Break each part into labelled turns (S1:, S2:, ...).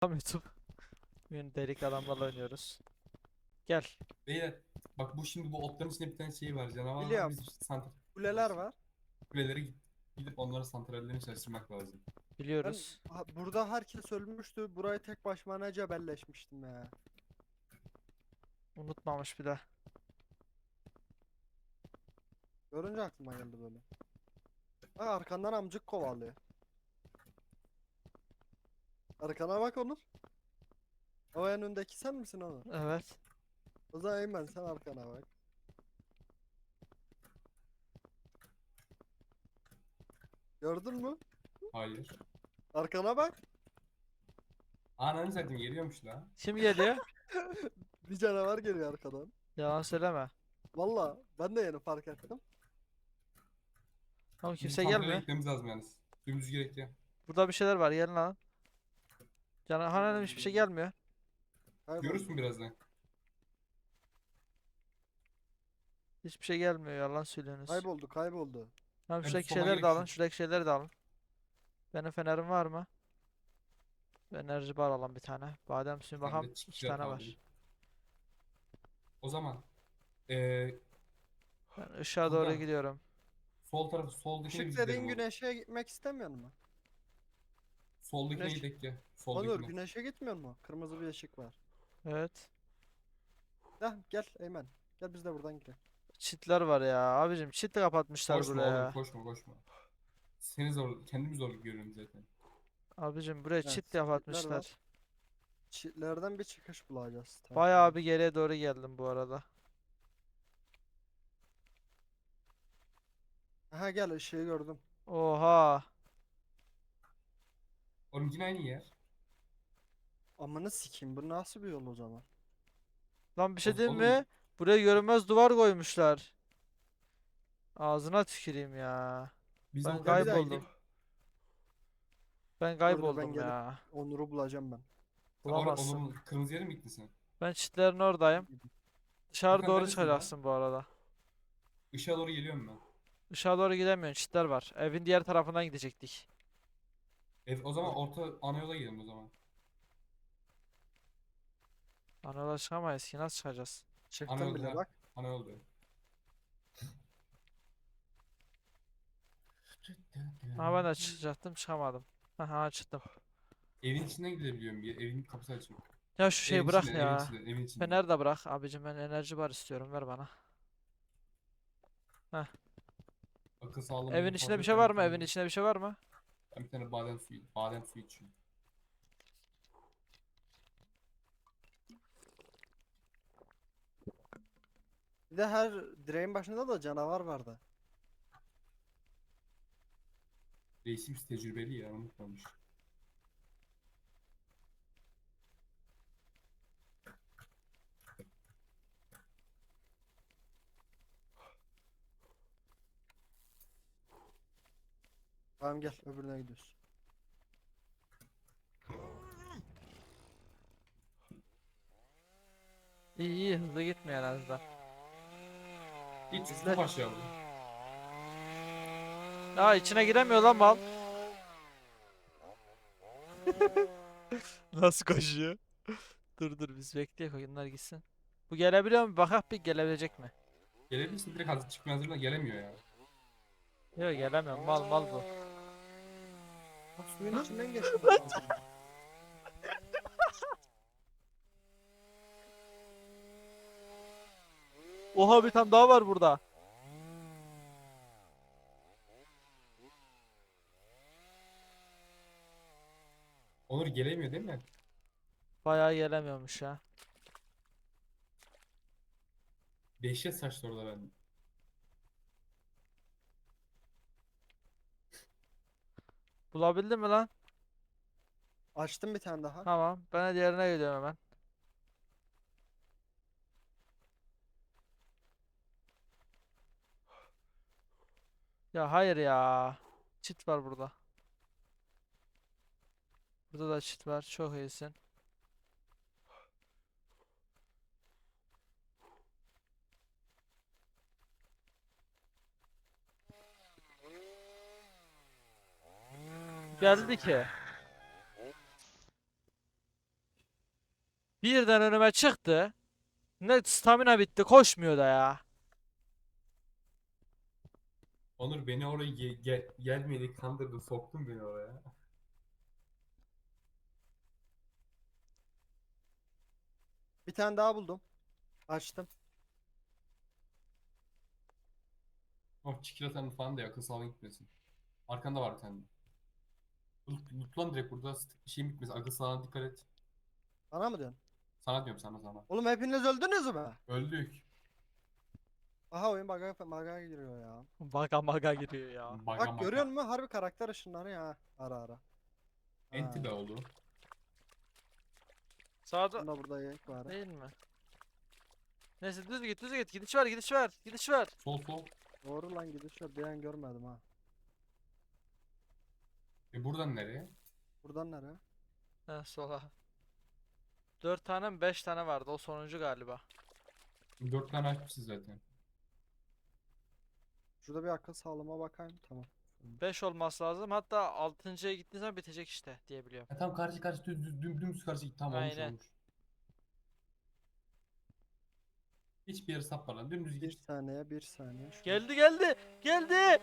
S1: Tamam YouTube. Bugün delik adamlarla oynuyoruz. Gel.
S2: Beyler bak şimdi bu otların içinde bir tane şey var, canavar var.
S3: Biliyorum.
S2: Biz işte santral
S3: Kuleler var.
S2: kulelere gidip onların santrallerini çalıştırmak lazım.
S3: Ben
S1: Biliyoruz.
S3: burada herkes ölmüştü. Burayı tek başıma ne cebelleşmiştim ya.
S1: Unutmamış bir de.
S3: Görünce aklıma geldi böyle. Bak arkandan amcık kovalıyor. Arkana bak Onur. O en öndeki sen misin Onur?
S1: Evet.
S3: O zaman Eymen sen arkana bak. Gördün mü?
S2: Hayır.
S3: Arkana bak.
S2: Ananı satayım, geliyormuş la.
S1: Kim geliyor?
S3: Bir canavar geliyor arkadan.
S1: Yalan söyleme.
S3: Valla ben de yeni fark ettim.
S1: Ama
S2: Bizim
S1: kimse
S2: santrale
S1: gelmiyor.
S2: gitmemiz lazım yalnız. Dümdüz gerekli.
S1: Burada bir şeyler var. Gelin lan. Hanım hiçbir şey gelmiyor.
S3: Kayboldu.
S2: Görürsün birazdan.
S1: Hiçbir şey gelmiyor. Yalan söylüyorsunuz.
S3: Kayboldu kayboldu.
S1: Tamam
S2: Hem
S1: şuradaki
S2: soba
S1: şeyleri de
S2: gerek
S1: alın.
S2: şu.
S1: Şuradaki şeyleri de alın. Benim fenerim var mı? Enerji bar alalım bir tane. Badem suyu
S2: Ben
S1: bakalım.
S2: de
S1: 2
S2: çiftçiler
S1: tane
S2: kaldı.
S1: var.
S2: O zaman eee
S1: Ben ışığa doğru
S2: Furkan,
S1: gidiyorum.
S2: sol tarafı soldakine
S3: Işık
S2: biz gidelim
S3: dediğin
S2: oğlum.
S3: güneşe gitmek istemiyor mu?
S2: Soldakine
S3: Güneş.
S2: gidelim ya.
S3: Onur
S2: Soldakine.
S3: güneşe gitmiyor mu? Kırmızı bir ışık var.
S1: Evet.
S3: Heh, gel Eymen. Gel biz de buradan gidelim.
S1: Çitler var ya. Abicim çit kapatmışlar
S2: Koşma oğlum,
S1: buraya.
S2: koşma koşma. Seni zor, kendimi zorluk görüyorum zaten.
S1: Abicim buraya
S3: Evet,
S1: çit
S3: çitler var.
S1: kapatmışlar.
S3: Çitlerden bir çıkış bulacağız.
S1: Bayağı
S3: Tamam.
S1: bir geriye doğru geldim bu arada.
S3: Aha gel ışığı gördüm.
S1: Oha.
S2: Oğlum yine aynı yer.
S3: Amını sikeyim bu nasıl bir yol o zaman?
S1: Lan bir şey diyeyim mi?
S2: Oğlum
S1: Buraya görünmez duvar koymuşlar. Ağzına tüküreyim ya.
S2: biz
S1: Ben
S2: o
S3: Gel bir
S2: kadar
S3: daha
S1: kayboldum.
S3: gidelim.
S2: gidip
S1: Ben
S3: Dur dur ben
S1: kayboldum
S3: gelip
S1: ya.
S3: Onur'u bulacağım ben.
S1: Bulamazsın.
S2: Onur'un kırmızı yere mi gittin sen?
S1: Ben çitlerin oradayım. Dışarı
S2: Furkan
S1: doğru
S2: neredesin lan?
S1: çıkacaksın bu arada.
S2: Işığa doğru geliyorum ben.
S1: Dışarı doğru gidemiyorsun. Çitler var. Evin diğer tarafından gidecektik.
S2: O zaman
S3: Dur.
S2: orta ana yola gidelim o zaman.
S1: Ana yola çıkamayız ki. Nasıl çıkacağız?
S2: Ana
S3: Çıktım
S2: yolda
S3: bile
S2: ha.
S3: bak.
S2: Ana yolda.
S1: Ama ben de çıkacaktım. Çıkamadım. Aha çıktım.
S2: Evin içinden gidebiliyorum. Evin kapısı açık.
S1: Ya şu şeyi
S2: Evin
S1: bırak
S2: içinden, evin
S1: ya.
S2: içinden, evin içinden.
S1: Fener de bırak. Abicim ben enerji bar istiyorum. Ver bana. Heh.
S2: Akıl sağlığım
S1: Evin
S2: benim
S1: içinde
S2: fazla
S1: bir
S2: yok.
S1: şey var mı? Evin içinde bir şey var mı?
S2: Ben bir tane badem suyu içiyorum.
S3: Bir de her direğin başında da canavar vardı.
S2: Reisimiz tecrübeli ya, unutmamış.
S3: Tamam gel öbürüne gidiyoruz.
S1: İyi iyi hızlı gitme en azından.
S2: Hiç
S3: İzle.
S2: çok aşağı bu.
S1: Aa içine giremiyor lan mal. Nasıl koşuyor? Dur biz bekleyelim oyunlar gitsin. Bu gelebiliyor mu? Bakak bir gelebilecek mi?
S2: Gelebilirsin, direkt hazır çıkmaya hazırla, gelemiyor ya.
S1: Yok gelemiyor. Mal bu.
S3: Bak suyun içinden geçtim. Lan.
S1: Oha bir tane daha var burada.
S2: Onur gelemiyor değil mi?
S1: Bayağı gelemiyormuş ya.
S2: Dehşet saçlı orada ben.
S1: Bulabildin mi lan?
S3: Açtım bir tane daha.
S1: Tamam. Ben de diğerine gidiyorum hemen. Ya hayır ya. Çit var burada. Burada da çit var. Çok iyisin. Geldi ki. Birden önüme çıktı. Ne stamina bitti, koşmuyor da ya.
S2: Onur beni oraya gelmedi kandırdın soktun beni oraya.
S3: Bir tane daha buldum. Açtım.
S2: Oh çikolatanın falan da akıl sağlığına gitmesin. Arkanda var bir tane. Lootlan direkt burada şeyim bitmesin. Akıl sağlığına dikkat et.
S3: Bana mı diyorsun?
S2: Sana diyorum sana.
S3: Oğlum hepiniz öldünüz mü?
S2: Öldük.
S3: Aha oyun baga giriyor ya.
S1: Maga maga giriyor ya.
S2: Baga
S3: Bak görüyor
S2: maga.
S3: musun? Harbi karakter ışınları ya. Ara ara.
S2: Enti
S3: Ha.
S2: be oldu.
S1: Sağda
S3: Bunda burada yayık var.
S1: değil mi? Neyse düz git düz git. Gidiş var gidiş var. Gidiş var.
S2: Sol.
S3: Doğru lan gidiş var. Bir an görmedim ha.
S2: Buradan nereye?
S3: Buradan nereye?
S1: He sola. 4 tane mi 5 tane vardı, o sonuncu galiba.
S2: 4 tane açmışız zaten.
S3: Şurada bir akıl sağlığıma bakayım. Tamam.
S1: 5 olması lazım, hatta 6.'ya gittiğin zaman bitecek işte diye biliyorum.
S2: Tam karşı dümdüz karşı git. Tam olmuş
S1: Aynen.
S2: olmuş. Hiçbir yere sapmadan dümdüz
S3: Bir
S2: git.
S3: saniye bir saniye. Şurada.
S1: Geldi.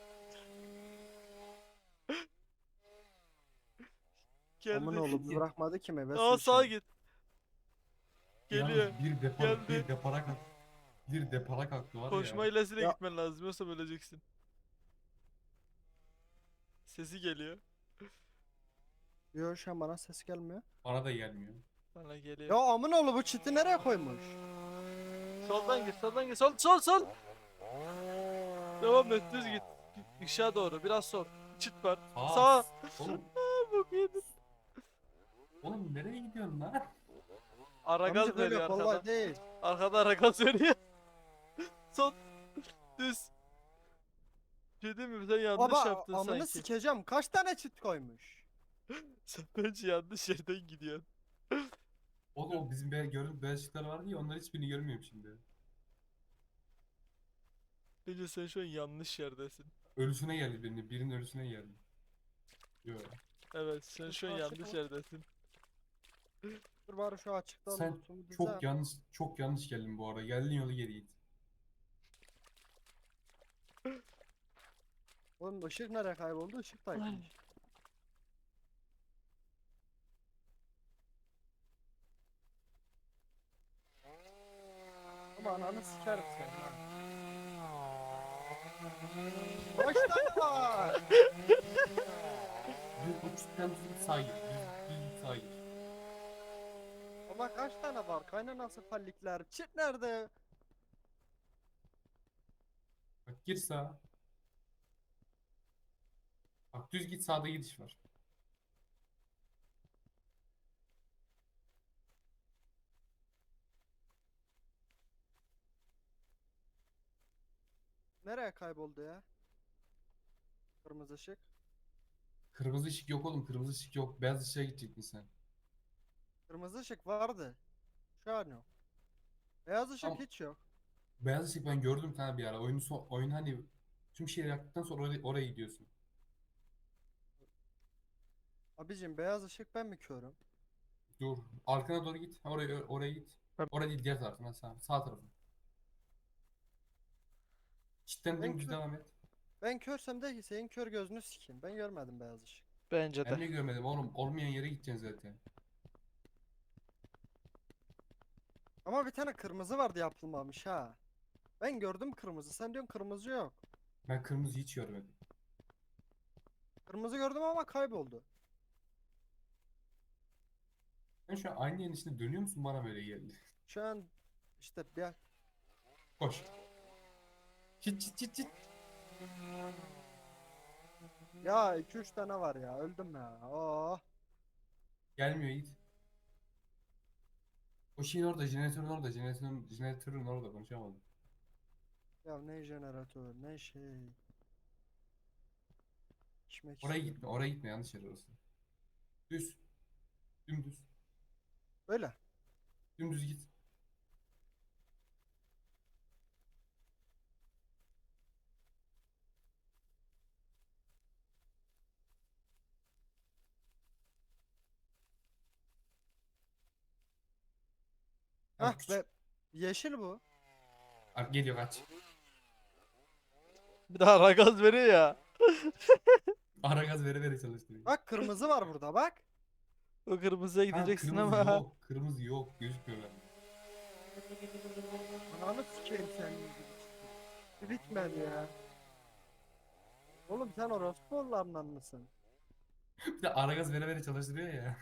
S3: Aman
S1: Geldi.
S3: oğlum bırakmadı ki meyve
S1: Aa sağa
S3: suyu.
S1: git.
S2: Yalnız
S1: Geliyor.
S2: bir
S1: Geldi.
S2: depara kalk. Bir depara kalktı var
S1: Koşma
S2: ya.
S1: ilesiyle
S3: Ya-
S1: gitmen lazım, yoksa öleceksin. Sesi geliyor.
S3: Yok şu an bana ses gelmiyor.
S2: Bana da gelmiyor.
S1: Bana geliyor.
S3: Ya amın oğlu bu çiti nereye koymuş?
S1: Soldan git. Sol. Devam et, düz git. Işığa doğru, biraz sol. Çit var. Sağa.
S2: Oğlum,
S1: Bok yedin.
S2: oğlum nereye gidiyorsun lan?
S1: Ara gaz
S3: Amca böyle
S1: veriyor
S3: kolay
S1: arkadan.
S3: değil.
S1: Arkada ara gaz veriyor. Sol. Düz. Şey değil mi? Sen yanlış
S3: Baba
S1: yaptın
S3: amını
S1: sanki.
S3: sikeceğim. Kaç tane çit koymuş?
S1: Sen bence yanlış yerden gidiyorsun.
S2: Oğlum o bizim gördüğümüz beyaz ışıklar vardı ya, onların hiçbirini görmüyorum şimdi.
S1: Bence sen şu an yanlış yerdesin.
S2: Ölüsüne geldi birinin ölüsüne geldi. Yok.
S1: Evet, sen şu an
S3: Karşı
S1: yanlış
S3: taraf-
S1: yerdesin.
S3: Dur bari şu açıkta
S2: Sen
S3: lootumu düzelt.
S2: çok yanlış geldin bu arada. Geldiğin yolu geri git.
S3: Oğlum ışık nereye kayboldu? Işık da gitmiş. Ama ananı sikerim seni ha. Kaç tane var?
S2: Düz o çitten düz sağa git. Düz sağa git.
S3: Ama kaç tane var? Kaynanası fallikler. Çit nerede?
S2: Bak gir sağa. Bak düz git, sağda gidiş var.
S3: Nereye kayboldu ya? Kırmızı ışık.
S2: Kırmızı ışık yok oğlum, kırmızı ışık yok. Beyaz ışığa gidecektin sen.
S3: Kırmızı ışık vardı. Şu an yok. Beyaz ışık
S2: Tamam.
S3: hiç yok.
S2: Beyaz ışık ben gördüm sana bir ara. Oyun hani tüm şeyleri yaptıktan sonra oraya gidiyorsun.
S3: Abicim beyaz ışık ben mi körüm?
S2: Dur. Arkana doğru git. Oraya git.
S1: Ben-
S2: Oraya değil, diğer tarafına, sağ tarafa. Çitten
S3: Ben
S2: dümdüz
S3: kör,
S2: devam et.
S3: ben körsem de senin kör gözünü sikeyim. Ben görmedim beyaz ışık.
S1: Bence
S2: Ben de
S1: de.
S2: görmedim oğlum. Olmayan yere gideceksin zaten.
S3: Ama bir tane kırmızı vardı yapılmamış ha. Ben gördüm kırmızı. Sen diyorsun kırmızı yok.
S2: Ben kırmızı hiç görmedim.
S3: Kırmızı gördüm ama kayboldu.
S2: Sen şu an aynı yerin içinde dönüyor musun, bana böyle geldi.
S3: Şu an işte bir
S2: Koş. Çit.
S3: ya 2-3 tane var ya. Öldüm ya. Oh.
S2: Gelmiyor, git. O şeyin orada, jeneratörün orada konuşamadım.
S3: Ya ne jeneratör ne şey. İçmek
S2: Oraya gitme, yanlış yer orası. Düz. Dümdüz.
S3: Böyle.
S2: Dümdüz git. Ha,
S3: Hah
S2: küçük.
S3: be yeşil bu.
S2: Geliyor kaç.
S1: Bir daha ara gaz veriyor ya.
S2: Ara gaz vere vere çalıştırıyor.
S3: Bak kırmızı var burada bak.
S1: O kırmızıya
S2: Ha,
S1: gideceksin
S2: kırmızı
S1: ama.
S2: yok. Kırmızı yok. Gözükmüyor bende.
S3: Ananı sikeyim senin gibi. Bir bitmedi ya. Oğlum sen orospu oğullarından mısın?
S2: Bir de ara gaz vere vere çalıştırıyor ya.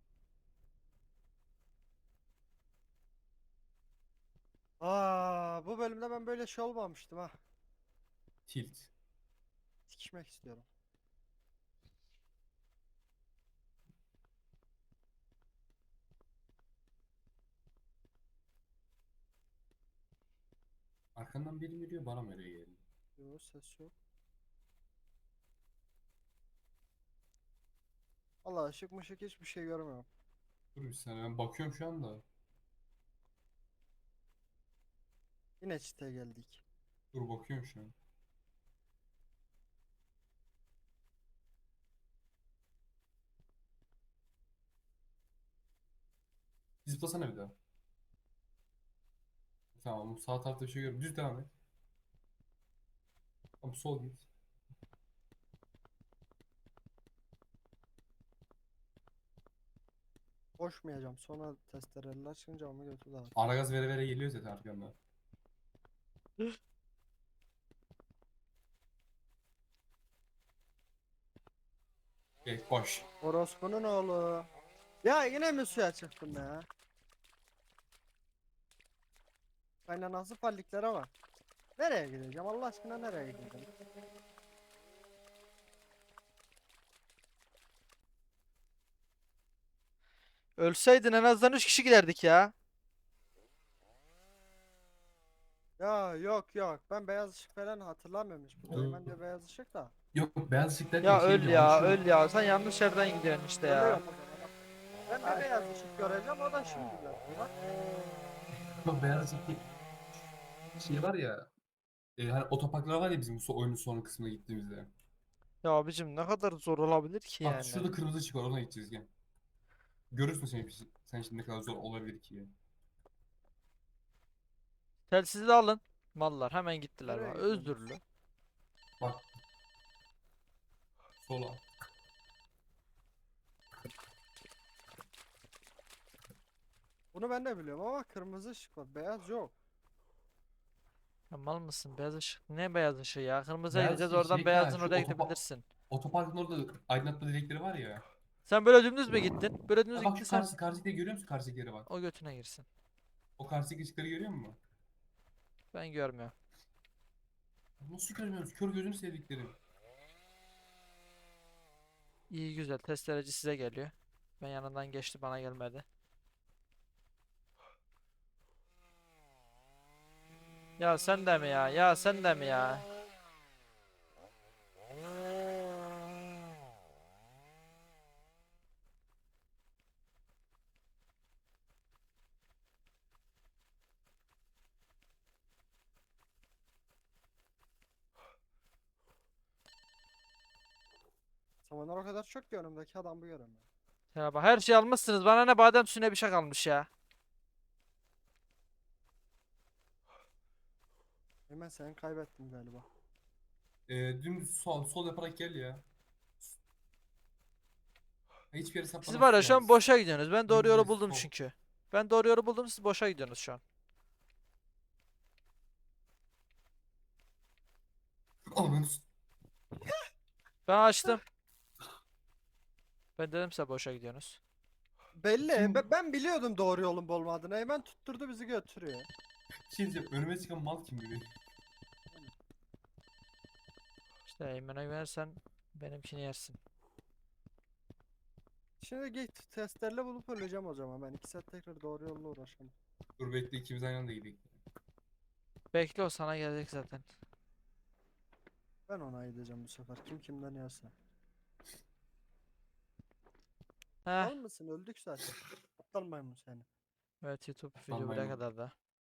S3: Aa, bu bölümde ben böyle şey olmamıştım ha.
S2: Tilt.
S3: Sikişmek istiyorum.
S2: Arkandan biri geliyor, bana mı öyle geldi?
S3: Yok ses yok. Allah ışık mışık hiçbir şey görmüyorum.
S2: Dur bir saniye, ben bakıyorum şu anda.
S3: Yine çite geldik.
S2: Dur bakıyorum şu an. Zıplasana bir daha. Tamam, sağ tarafta bir şey görüyorum. Düz devam et. Tamam, sol git.
S3: Koşmayacağım. Sonra testereler çıkınca ama götü dağıt.
S2: Ara gaz vere vere geliyor zaten arkandan. Koş.
S3: Orospu'nun oğlu. Ya yine mi suya çıktım ya? Kaynanası falliklere bak. Nereye gideceğim? Allah aşkına nereye gideceğim?
S1: Ölseydin en azından 3 kişi giderdik ya.
S3: Ya yok yok. Ben beyaz ışık falan hatırlamıyorum hiç. Bu
S2: Dur.
S3: Eymen de beyaz ışık da.
S2: Yok, beyaz ışık derken
S1: Ya
S2: şey
S1: öl
S2: diyorum.
S1: ya
S2: Hani
S1: öl ya. Sen yanlış yerden gidiyorsun işte ya.
S3: Ölüyorum o zaman. Ben de beyaz ışık göreceğim. O da şimdi görüyor. Bak.
S2: şu beyaz ışık şey var ya. Hani otoparklar var ya bizim oyunun son kısmına gittiğimizde.
S1: Ya abicim ne kadar zor olabilir ki
S2: Bak
S1: yani.
S2: şurada kırmızı ışık var, ona gideceğiz gel. Görürsün sen şimdi ne kadar zor olabilir ki ya.
S1: Telsizi de alın. Mallar hemen gittiler
S3: Nereye
S1: bak.
S3: gidiyorsunuz?
S1: Özürlü.
S2: Bak sola.
S3: Bunu ben de biliyorum ama kırmızı ışık var. Beyaz yok.
S1: Ya mal mısın? Beyaz ışık. Ne beyaz ışığı ya? Kırmızıya
S2: Beyaz
S1: gideceğiz
S2: şey,
S1: oradan beyazın
S2: şu
S1: oraya gidebilirsin.
S2: otoparkın orada aydınlatma direkleri var ya.
S1: Sen böyle dümdüz mü gittin? Böyle dümdüz
S2: Ha bak, şu
S1: gittiysen
S2: karşıdakileri görüyor musun? Karşıdakileri bak.
S1: o götüne girsin.
S2: O karşıdaki ışıkları görüyor musun?
S1: Ben görmüyorum.
S2: Nasıl görmüyoruz? Kör gözünü sevdiklerim.
S1: İyi güzel. Testereci size geliyor. Ben yanından geçti bana gelmedi. Ya sen de mi ya? Ya sen de mi ya?
S3: Samanlar o kadar çok ki önümdeki adam bu göremiyor.
S1: Ya bak her şey almışsınız. Bana ne badem süne bir şey kalmış ya.
S3: Hemen sen kaybettim galiba.
S2: Dümdüz sol yaparak gel ya. Hiçbir yere
S1: Siz var ya
S2: saplamazsın
S1: şu an
S2: yalnız.
S1: boşa gidiyorsunuz. Ben doğru yolu
S2: Dümdüz
S1: buldum
S2: sol.
S1: çünkü. Ben doğru yolu buldum. Siz boşa gidiyorsunuz şu an.
S2: Ananı s-
S1: Ben açtım. Ben dedim size boşa gidiyorsunuz.
S3: Belli.
S2: Kim?
S3: Ben biliyordum doğru yolun bu olmadığını. Hemen tutturdu bizi götürüyor.
S2: Şey diyeceğim, önüme çıkan mal kim biri?
S1: İşte Eymen'e güvenirsen benimkini yersin.
S3: Şimdi git testlerle bulup öleceğim o zaman. Ben 2 saat tekrar doğru yolla uğraşamam.
S2: Dur bekle, ikimiz aynı anda gidelim.
S1: Bekle o sana gelecek zaten.
S3: Ben ona gideceğim bu sefer. Kim kimden yerse.
S1: Heh.
S3: Mal mısın? Öldük zaten. Aptal maymun seni.
S1: Evet YouTube
S2: Aptal
S1: video buraya
S2: maymun.
S1: kadar da.